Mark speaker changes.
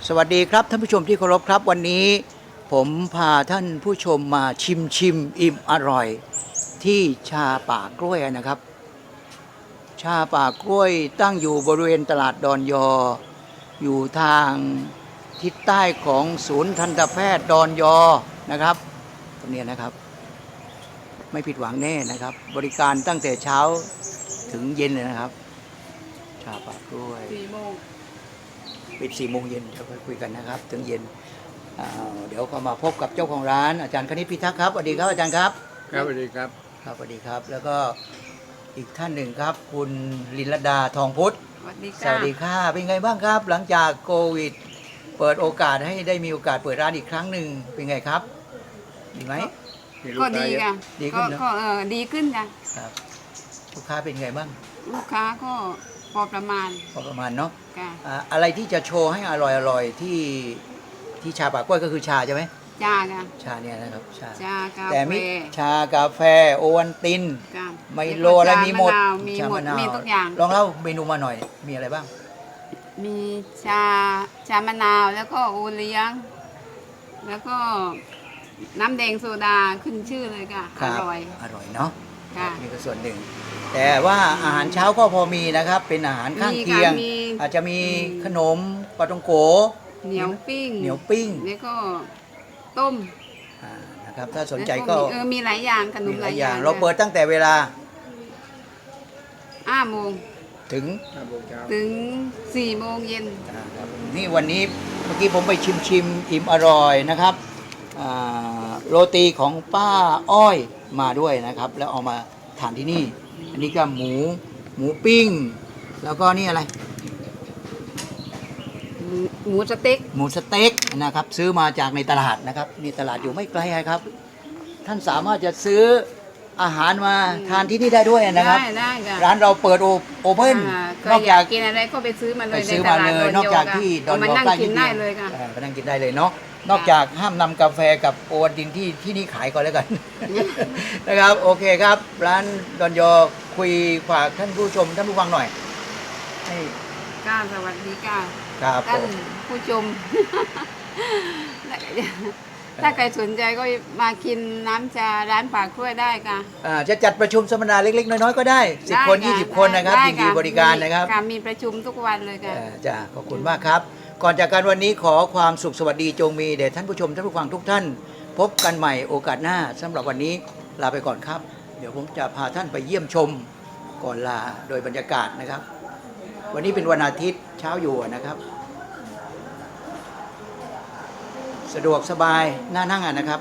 Speaker 1: สวัสดีครับท่านผู้ชมที่เคารพครับวันนี้ผมพาท่านผู้ชมมาชิมอิ่มอร่อยที่ชาป่ากล้วยนะครับชาป่ากล้วยตั้งอยู่บริเวณตลาดดอนยออยู่ทางทิศใต้ของศูนย์ทันตแพทย์ดอนยอนะครับตรงนี้นะครับไม่ผิดหวังแน่นะครับบริการตั้งแต่เช้าถึงเย็นเลยนะครับชาป่ากล้วย
Speaker 2: 4 โมง
Speaker 1: ปิด4 โมงเย็นเดี๋ยวคุยกันนะครับถึงเย็นเดี๋ยวก็มาพบกับเจ้าของร้านอาจารย์คณิตพิทักษ์ครับสวัสดีครับอาจารย์ครับ
Speaker 3: ครับสวัสดีครับ
Speaker 1: ครับสวัสดีครับแล้วก็อีกท่านหนึ่งครับคุณลินลดาทองพุทธ
Speaker 2: สวัสดี
Speaker 1: ส
Speaker 2: ค่ะ
Speaker 1: วัสดีค่ะเป็นไงบ้างครับหลังจากโควิดเปิดโอกาสให้ได้มีโอกาสเปิดร้านอีกครั้งหนึ่งเป็นไงครับดีไหม
Speaker 2: ก็ดีค่ะ
Speaker 1: ดีขึ้นเนอะ
Speaker 2: ก็ดีขึ้นค่ะ
Speaker 1: ครับลูกค้าเป็นไงบ้าง
Speaker 2: ลูกค้าก็พอประมาณ
Speaker 1: พอประมาณเนาะ
Speaker 2: ค่ะ
Speaker 1: อะไรที่จะโชว์ให้อร่อยที่ชาป่ากล้วยก็คือชาใช่ไหม
Speaker 2: จ้าค่ะ
Speaker 1: ชาเนี่ยนะครับชา
Speaker 2: ชากา
Speaker 1: แต่
Speaker 2: แฟ
Speaker 1: มีชากาแฟโอวัลติน
Speaker 2: ค่ะ
Speaker 1: ไมโลอะไรมีหมด
Speaker 2: มี
Speaker 1: ชา
Speaker 2: หมด
Speaker 1: มะนาว
Speaker 2: มีทุกอย่าง
Speaker 1: ลองเล่าเมนูมาหน่อยมีอะไรบ้าง
Speaker 2: มีชามะนาวแล้วก็โอเลี้ยง แล้วก็น้ำแดงโซดาขึ้นชื่อเลยค่ะ
Speaker 1: ค
Speaker 2: อ
Speaker 1: รับ
Speaker 2: ร่อย
Speaker 1: อร่อยเนาะ
Speaker 2: ค่ะ
Speaker 1: นี่ก็ส่วนหนึ่ง แต่ว่าอาหารเช้าก็พอมีนะครับ เป็นอาหารข้าง
Speaker 2: มี
Speaker 1: เคียง
Speaker 2: ค่ะมี
Speaker 1: อาจจะมีขนมปลาตองโก
Speaker 2: เหนียวปิ้ง
Speaker 1: เหนียวปิ้ง
Speaker 2: แล้วก็ต้ม
Speaker 1: นะครับถ้าสนใจก็
Speaker 2: แล้วมีหลายอย่างขน
Speaker 1: มี
Speaker 2: ม
Speaker 1: ห
Speaker 2: ห
Speaker 1: ลา
Speaker 2: ลาย ย
Speaker 1: อ
Speaker 2: อย่าง
Speaker 1: เราเปิดตั้งแต่เวลา
Speaker 2: 5 โมง
Speaker 1: ถึง
Speaker 3: 5 โมงเช้า
Speaker 2: ถึง 4 โมงเย็น
Speaker 1: ครับนี่วันนี้เมื่อกี้ผมไปชิมอิ่มอร่อยนะครับโรตีของป้าอ้อยมาด้วยนะครับ แล้วเอามาทานที่นี่ อันนี้ก็หมูปิ้ง แล้วก็นี่อะไร
Speaker 2: หมูสเต็ก
Speaker 1: หมูสเต็กนะครับ ซื้อมาจากในตลาดนะครับนี่ตลาดอยู่ไม่ไกลครับ ท่านสามารถจะซื้ออาหารมาทานที่นี่ได้ด้วยนะครับ
Speaker 2: ได้ค่ะ
Speaker 1: ร้านเราเปิดโอเพ่น
Speaker 2: ใคร
Speaker 1: นอก
Speaker 2: อยา
Speaker 1: จาก ก
Speaker 2: กินอะไรก็ไปซื้อมาเล
Speaker 1: ไป
Speaker 2: ย
Speaker 1: ซื้อ
Speaker 2: ในต
Speaker 1: มา
Speaker 2: ลาด
Speaker 1: เลย
Speaker 2: ด
Speaker 1: นอกจากที่ดอน
Speaker 2: มา
Speaker 1: ยอ
Speaker 2: นั่ง
Speaker 1: ใกล้
Speaker 2: กิ
Speaker 1: นิ
Speaker 2: น
Speaker 1: ดเดี
Speaker 2: ได้
Speaker 1: ยว
Speaker 2: เลยค่ะ
Speaker 1: ไปนั่งกินได้เลยเนาะนอกจากห้ามนำกาแฟกับโอวัลตินที่นี่ขายก่อนแล้วกัน นะครับโอเคครับ ร้านดอนยอคุยฝากท่านผู้ชมท่านผู้ฟังหน่อยให้
Speaker 2: ก้าสวัสดีค่ะ
Speaker 1: ครับผ
Speaker 2: ท่าน
Speaker 1: ม
Speaker 2: ผู้ชม ถ้าใครสนใจก็มากินน้ำชาร้านปากกล้วยได้ค่ะ
Speaker 1: จะจัดประชุมสัมมนาเล็กๆ น้อยๆก็ได้10 คน
Speaker 2: ได้ะ
Speaker 1: 20 คนนะครับ
Speaker 2: ได้
Speaker 1: ยินดีบริการนะครับ
Speaker 2: มีประชุมทุกวันเลยค่ะ
Speaker 1: จ้าขอบคุณมากครับ ก่อนจากการวันนี้ขอความสุขสวัสดีจงมีแด่ท่านผู้ชมท่านผู้ฟังทุกท่าน พบกันใหม่โอกาสหน้าสำหรับวันนี้ลาไปก่อนครับ เดี๋ยวผมจะพาท่านไปเยี่ยมชมก่อนลาโดยบรรยากาศนะครับ วันนี้เป็นวันอาทิตย์เช้าอยู่นะครับ สะดวกสบายน่านั่งนะครับ